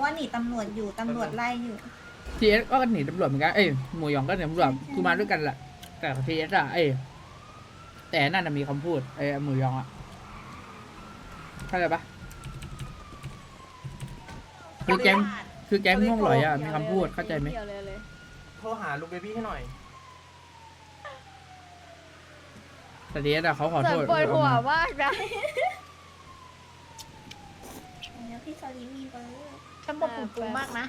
ว่าหนีตำรวจอยู่ตำรวจไล่อยู่ทีเอสก็หนีตำรวจเหมือนกันเอ้ยหมูหยองก็หนีตำรวจคือมาด้วยกันแหละแต่ทีเอสอะแต่นั่นน่ะมีคำพูดหมูหยองอะเข้าใจปะคือแก๊งม่วงหลอยอะมีคำพูดเข้าใจไหมโทรหาลุงเบบี้ให้หน่อยแต่ทีเอสอะเขาขอส่โทวนษปวดหัวมากนะแล้วพี่ซาลีมีเบอร์ฉันบอกปูปูมากนะ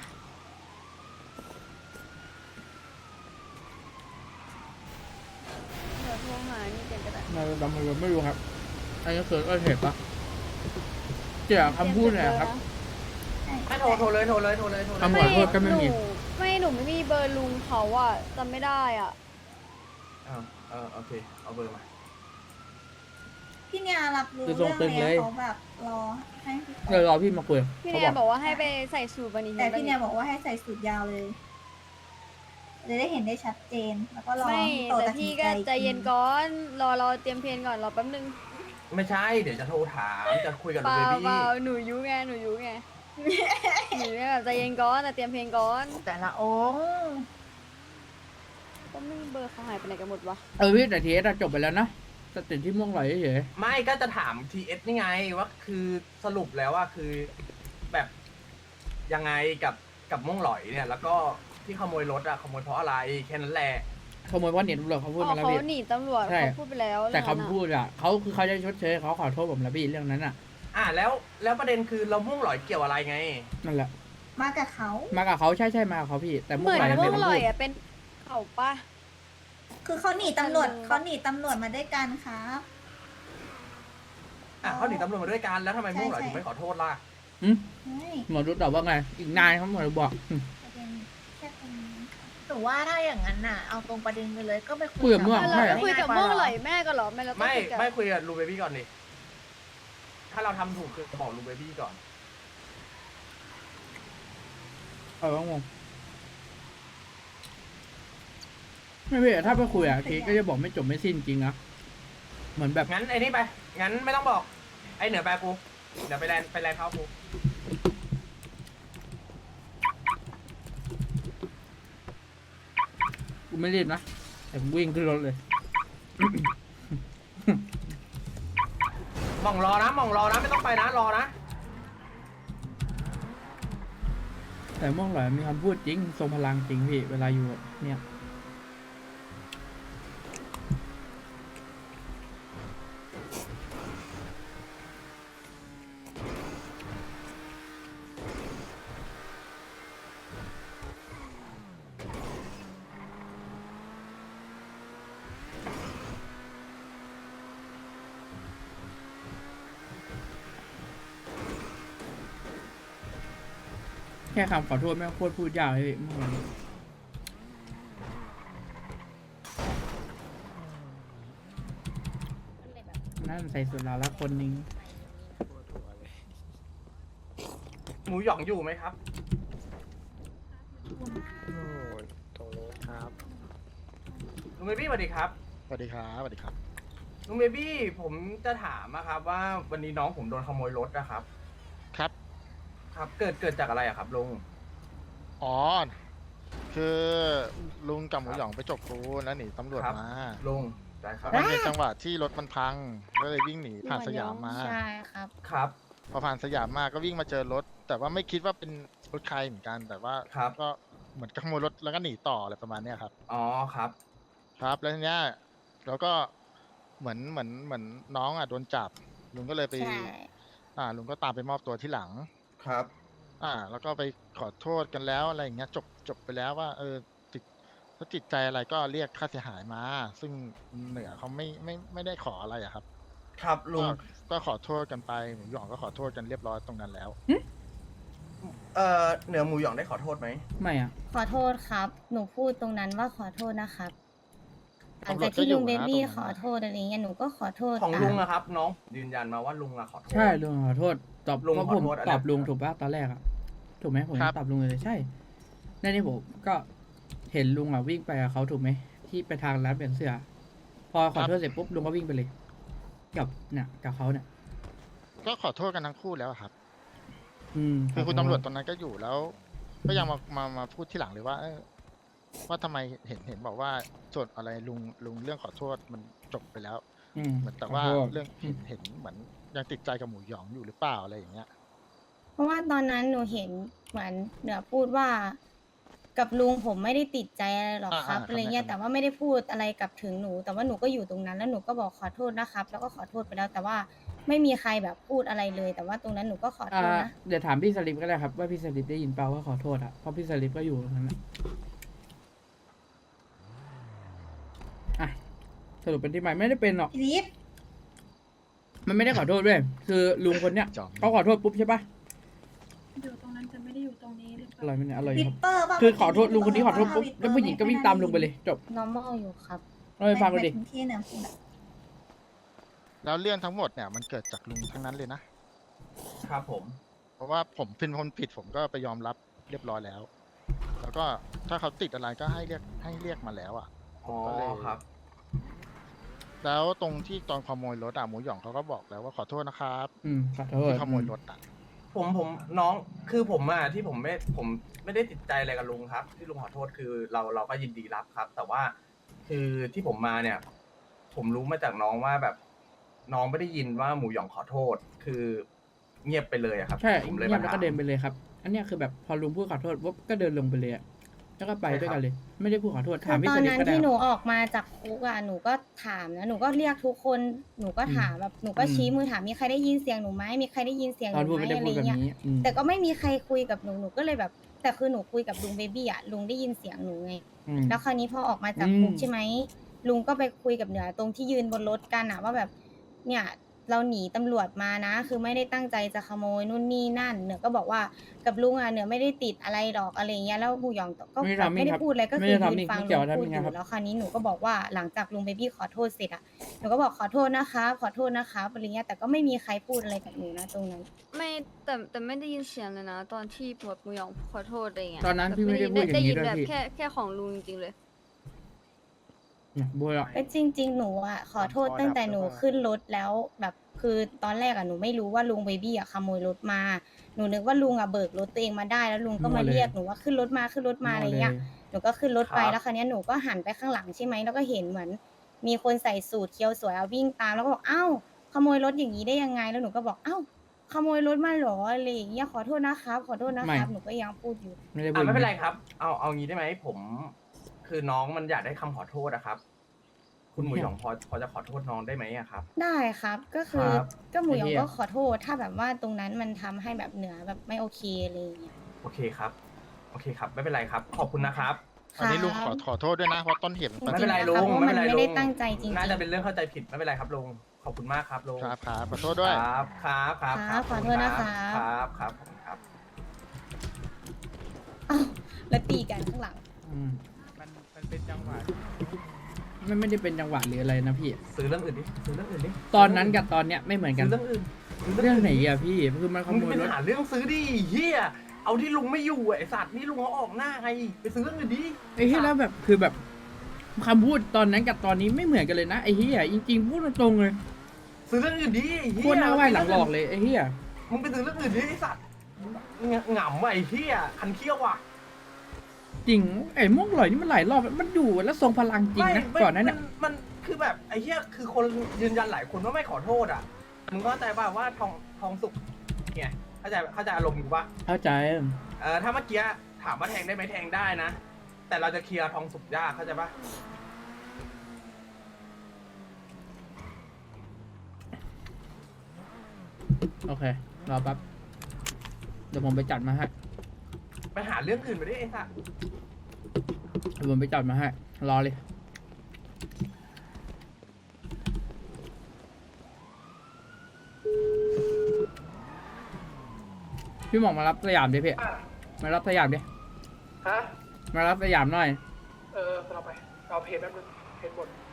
เดี๋ยวโทรหานี่เดี๋ยวก็ได้ไม่รู้ครับอันนี้คือก็เห็นปะเจ้าคำพูดเนี่ยครับไม่โทรเลยคำขอโทษก็ไม่มีหนูไม่มีเบอร์ลุงเขาอะจำไม่ได้อ่ะโอเค เอาเบอร์มาพี่เนี่ยรับรู้คือเรื่องทรงตึงแล้เลวย เขาแบบรอให้พี่เดี๋ยวรอพี่มาคุยพี่เขาเนี่ยบบ ออก กว่าให้ไปใส่สูทวันนี้แต่พี่เนี่ยบอกว่าให้ใส่สูทยาวเลยจะได้เห็นได้ชัดเจนแล้วก็รอไม่โตแต่ตัดสิพี่นก็ใจใจเย็นก่อนรอเตรียมเพลงก่อนรอแป๊บนึงไม่ใช่ เดี๋ยวจะโทรถาม จะคุยกับเปลุงล่าเบบี้เปล่าหนูยุไงหนูเนี่ยแบบใจเย็นก่อนแต่เตรียมเพลงก่อนแต่ละองค์ก็ไม่มีเบอร์เขาหายไปไหนกันหมดวะพี่แต่ทีเอสจบไปแล้วนะแต่ติดที่ม่วงหลอยเฉยไม่ก็จะถาม TS นี่ไงว่าคือสรุปแล้วว่าคือแบบยังไงกับม่วงหลอยเนี่ย แล้วก็ที่ขโมยรถอะขโมยเพราะอะไรแค่นั้นแหละขโมยเพราะหนีตำรวจเขาพูดอ๋อมาแล้วเขาพี่หนีตำรวจใช่เขาพูดไปแล้วแต่เรื่องนั้นคำพูดอะเขาจะชดเชยเขาขอโทษผมแล้วพี่เรื่องนั้นอะแล้วประเด็นคือเราม่วงหลอยเกี่ยวอะไรไงนั่นแหละมากับเขามากับเขาใช่มากับเขาพี่ แต่เหม่มืวอง นหลอยพวไม่กได้ลพูอยดอ่ะเป็นเขาปะคือเขาหนีตำรวจมาด้วยกันครับเขาหนีตำรวจมาด้วยกันแล้วทำไมม่วงหลอยถึงไม่ขอโทษล่ะเฮ้ยหมอรู้ตอบว่าไง อีกนายเขาหมอรู้บอกประเด็นแค่ตรงนี้ค่ะหนูว่าถ้าอย่างนั้นน่ะ เอาตรงประเด็นไปเลยก็ไปคุยกับม่วงเราใช่ไปคุยกับม่วงลอยแม่ก็เหรอไม่เราต้องไม่คุยกับไม่คุยกับลุงเบบี้ก่อนดิถ้าเราทำถูกคือบอกลุงเบบี้ก่อนงงไม่พี่ถ้าไปคุยอะเคก็จะบอกไม่จบไม่สิ้นจริงนะเหมือนแบบงั้นไอ้นี่ไป งั้นไม่ต้องบอก ไอ้เหนือไปกู เดี๋ยวไปแลนเขากูกูไม่รีบนะแต่ผมวิ่งขึ้นรถเลยมองรอนะไม่ต้องไปนะรอนะแต่ม่วงหลอยมีคำพูดจริงทรงพลังจริงพี่เวลาอยู่เนี่ยแค่คำขอโทษแม่งโคตรพูดยากเลยม่วงหลอยนั่นใส่สุดแล้วละคนนึงหมูหยองอยู่ไหมครับโอ้ยตรงนี้ครับลุงเบบี้สวัสดีครับสวัสดีครับ สวัสดีครับลุงเบบี้ผมจะถามนะครับว่าวันนี้น้องผมโดนขโมยรถนะครับครับครับ เกิดจากอะไรอะครับลุงอ๋อ คือลุงกับหมูหยองไปจกปูนแล้วหนีตำรวจครับมาลุงได้ครับมันเป็นจังหวะที่รถมันพัง ก็เลยวิ่งหนีผ่านสยามมาใช่ครับครับพอผ่านสยามมาก็วิ่งมาเจอรถ แต่ว่าไม่คิดว่าเป็นรถใครเหมือนกัน แต่ว่าครับก็เหมือนกับขโมยรถแล้วก็หนีต่ออะไรประมาณเนี้ยครับอ๋อครับครับ แล้วทีเนี้ยเราก็เหมือนน้องอ่ะโดนจับ ลุงก็เลยไปใช่ลุงก็ตามไปมอบตัวที่หลังครับแล้วก็ไปขอโทษกันแล้วอะไรอย่างเงี้ยจบไปแล้วว่าติดถ้าติดใจอะไรก็เรียกค่าเสียหายมา ซึ่งเหนือเขาไม่ได้ขออะไรอะครับครับลุงก็ขอโทษกันไปหมูหยองก็ขอโทษกันเรียบร้อยตรงนั้นแล้วเหนือหมูหยองได้ขอโทษไหมไม่อะขอโทษครับ หนูพูดตรงนั้นว่าขอโทษนะครับหลังตำรวจากจก็ที่อยู่ลุงเบนะบี้ตรงนั้นขอโทษอะไรเงี้ย หนูก็ขอโทษของตามลุงอะครับ น้องยืนยันมาว่าลุงอะขอโทษใช่ลุงขอโทษตอบลุงเพราะขอผมโทษอะไรตอบลุงถูกป่ะตอนแรกอะถูกไหมผมครับตอบลุงเลยใช่ในนี้ผมก็เห็นลุงอะวิ่งไปกับเขาถูกไหมที่ไปทางร้านเปลี่ยนเสื้อ พอขอโทษเสร็จปุ๊บลุงก็วิ่งไปเลย กับเขาเนี่ยก็ขอโทษกันทั้งคู่แล้วครับคือคุณตำรวจตอนนั้นก็อยู่แล้ว ก็ยังมาพูดที่หลังเลยว่าว่าทำไมเห็นบอกว่าส่วนอะไรลุงเรื่องขอโทษมันจบไปแล้ว เหมือนแต่ว่าขอโทษเรื่องเห็นเหมือนยังติดใจกับหมูหยองอยู่หรือเปล่าอะไรอย่างเงี้ยเพราะว่าตอนนั้นหนูเห็นเหมือนเหนือพูดว่า กับลุงผมไม่ได้ติดใจอะไรหรอกครับอ่าอะไรเงี้ยครับแต่ว่าไม่ได้พูดอะไรกับถึงหนู แต่ว่าหนูก็อยู่ตรงนั้นแล้วหนูก็บอกขอโทษนะครับ แล้วก็ขอโทษไปแล้ว แต่ว่าไม่มีใครแบบพูดอะไรเลย แต่ว่าตรงนั้นหนูก็ขอโทษนะเดี๋ยวถามพี่สลิปก็ได้ครับว่าพี่สลิปได้ยินเปล่าว่าขอโทษอ่ะเพราะพี่สลิปก็อยู่ตรงนั้นอะอ่ะสรุปเป็นที่ไม่ได้เป็นหรอกพี่ลิฟมันไม่ได้ขอโทษด้วยคือลุงคนเนี้ยจอมเขาขอโทษปุ๊บใช่ปะอยู่ตรงนั้นจะไม่ได้อยู่ตรงนี้หรือเปอร่อล่ายไหมเนี่ยอร่อยวิคปรับเปอร์ป่ะคือขอโทษลุงคนนี้ขอโทษปุ๊บแล้วผู้หญิงก็วิ่งตามลุงไปเลยจบ normal อยู่ครับเราไปฟังกันดิที่เหนือพูดอะแล้วเรื่องทั้งหมดเนี่ยมันเกิดจากลุงทั้งนั้นเลยนะครับผมเพราะว่าผมเป็นคนผิดผมก็ไปยอมรับเรียบร้อยแล้ว แล้วก็ถ้าเขาติดอะไรก็ให้เรียกมาแล้วอ่ะอ๋อก็เลยครับแล้วตรงที่ตอนขโมยรถหมูหยองเขาก็บอกแล้วว่าขอโทษนะครับขอโทษที่ขโมยรถอ่ะผมน้องคือผมอะที่ผมไม่ได้ติดใจอะไรกับลุงครับ ที่ลุงขอโทษคือเราก็ยินดีรับครับ แต่ว่าคือที่ผมมาเนี่ย ผมรู้มาจากน้องว่าแบบ น้องไม่ได้ยินว่าหมูหยองขอโทษ คือเงียบไปเลยอะครับใช่ผมเลยเงียมาบแล้วถามก็เดินไปเลยครับ อันเนี้ยคือแบบพอลุงพูดขอโทษปุ๊บก็เดินลงไปเลยอะแล้วก็ไปด้วยกันเลย ไม่ได้พูดขอโทษคืถามอพี่ตอสนลิปนั้นก็ได้ที่หนูออกมาจากคุกอ่ะหนูก็ถามนะหนูก็เรียกทุกคนหนูก็ถามแบบหนูก็ชี้มือถามมีใครได้ยินเสียงหนูไหมมีใครได้ยินเสียงหตอนนูพูดไหมไม่ได้อะไรพูดแบบเงี้ยนี้แต่ก็ไม่มีใครคุยกับหนูก็เลยแบบ แต่คือหนูคุยกับลุงเบบี้อ่ะลุงได้ยินเสียงหนูไง แล้วคราวนี้พอออกมาจากคุกใช่ไหมลุงก็ไปคุยกับเหนือตรงที่ยืนบนรถกันอะว่าแบบ เนี่ยเราหนีตำรวจมานะ คือไม่ได้ตั้งใจจะขโมยนู่นนี่นั่นเหนือก็บอกว่ากับลุงอะเหนือไม่ได้ติดอะไรหรอกอะไรเงี้ยแล้วหมูหยองก็ไม่แบบทำไม่ได้ครับพูดอะไรก็ไม่คือได้ยืทำนฟังไม่เกี่ลุยวงทำพูดยังอไงครับยู่แล้วคราวนี้หนูก็บอกว่าหลังจากลุงเบบี้ขอโทษเสร็จอะหนูก็บอกขอโทษนะคะขอโทษนะคะอะไรเงี้ยแต่ก็ไม่มีใครพูดอะไรกับหนูนะตรงนั้นไม่แต่ไม่ได้ยินเสียงเลยนะ ตอนที่หมวดหมูหยองขอโทษอะไรเงี้ยตอนนั้นพี่ไม่ได้พูดอย่างนี้ได้ยินด้วยแบบพี่แค่ของลุงจริงๆเลยเนี่ยบัวอะจริง ๆ หนูอ่ะขอโทษตั้งแต่หนูขึ้นรถแล้วแบบคือตอนแรกอ่ะหนูไม่รู้ว่าลุงเบบี้อ่ะขโมยรถมาหนูนึกว่าลุงอ่ะเบิกรถตัวเองมาได้แล้วลุงก็มาเรียกหนูว่าขึ้นรถมาอะไรเงี้ยหนูก็ขึ้นรถไปครับแล้วคราวเนี้ยหนูก็หันไปข้างหลังใช่ไหมแล้วก็เห็นเหมือน มีคนใส่สูทเคียวสวยเอาวิ่งตามแล้วก็บอกเอ้าขโมยรถอย่างนี้ได้ยังไงแล้วหนูก็บอกเอ้าขโมยรถมาเหรออะไรอย่างเงี้ยขอโทษนะครับขอโทษนะครับหนูก็ยังพูดอยู่ไม่ได้พูดไม่เป็นไรครับ เอางี้ได้ไหมผม คือน้องมันอยากได้คำขอโทษนะครับ คุณหมูหยองพอจะขอโทษน้องได้ไหมอะครับได้ครับก็คือครับก็หมูหยองก็ขอโทษถ้าแบบว่าตรงนั้นมันทำให้แบบเหนือแบบไม่โอเคอะไรอย่างเงี้ยโอเคครับ โอเคครับ ไม่เป็นไรครับ ขอบคุณนะครับอันนี้ลุงขอโทษด้วยนะเพราะต้นเหตุมันไม่เป็นไรจงๆลุงเพราะไม่มันเป็นไรไม่ได้ลุงตั้งใจจริงๆน่าจะเป็นเรื่องเข้าใจผิดไม่เป็นไรครับลุง ขอบคุณมากครับลุงครับขอโทษด้วยครับครับครับครับขอโทษนะครับครับครับผมครับอ้าวแล้วตีกันข้างหลังมันเป็นจังหวะมันไม่ได้เป็นจังหวะหรืออะไรนะพี่ซื้อเรื่องอื่นดิซื้อเรื่องอื่นดิตอนนั้นกับตอนเนี้ยไม่เหมือนกันซื้อเรื่องอื่นซื้เรื่องไหนอะพี่คือมันขมึงโมยเป็นรถหาเรื่องซื้อดิเฮียเอาที่ลุงไม่อยู่ไอสัตว์นี่ลุงเขาออกหน้าไงไปซื้อเรื่องอื่นดิไอ้เหี้ยแล้วแบบคือแบบคำพูดตอนนั้นกับตอนนี้ไม่เหมือนกันเลยนะไอ้เหี้ยจริงๆพูดตรงๆเลยซื้อเรื่องอื่นดิไอ้เฮีโคตรหน้าไหวหลังหลอกเลยไอ้เหี้ยมึงไปซื้อเรื่องอื่นดิไอสัตว์หงำว่ะไอ้เฮียคันเขี้ยวว่ะจริงไอ้ม่วงหลอยนี่มันหลายรอบมันอยู่แล้วทรงพลังจริงนะไม่ก่อนนั้นเนี่ยมันคือแบบไอ้เหี้ยคือคนยืนยันหลายคนว่าไม่ขอโทษอ่ะมึงก็เข้าใจป่ะว่าทองสุกเนี่ยเข้าใจอารมณ์กูป่ะเข้าใจถ้าเมื่อกี้ถามว่าแทงได้ไหมแทงได้นะ แต่เราจะเคลียร์ทองสุกยากเข้าใจป่ะโอเครอแป๊บเดี๋ยวผมไปจัดมาให้ไปหาเรื่องอื่นไปดิไอ้สัสเดี๋ยวผมไปจัดมาให้รอเลยพี่หมองมารับสยามดิพี่มารับสยามดิฮะมารับสยามหน่อยเราไป เอาเพจแป๊บนึงเพจหมด